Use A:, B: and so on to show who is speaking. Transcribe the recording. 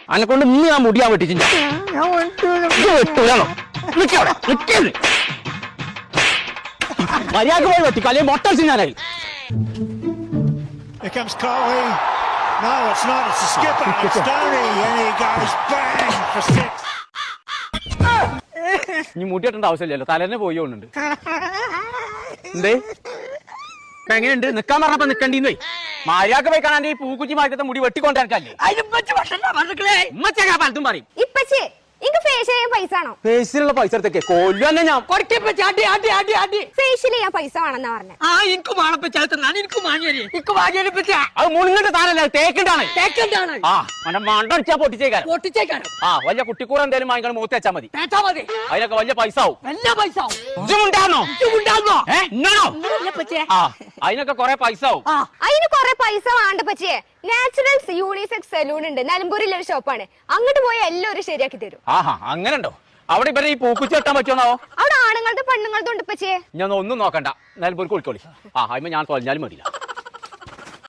A: അന്നെ കൊണ്ട് ഇന്ന് ഞാൻ മുടിയാൻ വെട്ടിച്ചില്ല. മര്യാദ പോയി വെട്ടിക്കോ, അല്ലെങ്കിൽ മൊട്ട ഞാനായി.
B: Here comes Coley. No, it's not. It's a skipper. It's Stoney, and he goes bang for 6.
A: ഇനി മുടി വെട്ടേണ്ട ആവശ്യമില്ലല്ലോ, തലേന്നെ പോയി കൊണ്ടുണ്ട്. എന്തേ എങ്ങനെയുണ്ട്? നിക്കാൻ പറഞ്ഞപ്പോ നിക്കണ്ടീന്ന് മര്യാദ പോയി കാണാൻ ഈ പൂക്കുറ്റി മാറ്റത്തെ മുടി വെട്ടിക്കൊണ്ടിരിക്കല്ലേ. പലതും പറയും.
C: പൈസ ആണോ?
A: ഫേസിലുള്ള പൈസ എടുത്തേക്ക് കൊല്ലു തന്നെ ഞാൻ.
C: ഫേഷ്യൽ ചെയ്യാൻ പൈസ വേണമെന്നാ പറഞ്ഞത്.
A: അത് മുണിങ്ങിട്ട് താനല്ല, തേക്കിണ്ടാണ്. ആ മണ്ട മണ്ടടിച്ചാ പൊട്ടിച്ചേക്കാരം. ആ വലിയ കുട്ടിക്കൂറ എന്തേലും വാങ്ങിക്കണം, മൂത്ത് വെച്ചാ മതി. അതിനൊക്കെ വലിയ പൈസ ആവും. അതിനൊക്കെ കൊറേ പൈസ ആവും.
C: അതിന് കൊറേ പൈസ വേണ്ട പച്ചേ. നാച്ചുറൽസ് യൂണിസെക്സ് സലൂൺ ഉണ്ട്, നിലമ്പൂരിലെ ഒരു ഷോപ്പാണ്. അങ്ങോട്ട് പോയാൽ എല്ലാവരും ശരിയാക്കി തരും.
A: ആഹാ, അങ്ങനെ ഉണ്ടോ? അവിടെ ഇവരെ ഈ പൂക്കുറ്റി വെട്ടാൻ പറ്റുമോ?
C: അവിടെ ആണുങ്ങളുടെ പെണ്ണുങ്ങളുടെ ഉണ്ട് പച്ചേ.
A: ഞാൻ ഒന്നും നോക്കണ്ട, നിലമ്പൂർക്ക് വിളിക്കോളി. ആ അതിന് ഞാൻ തൊലഞ്ഞാലും മതിയില്ല.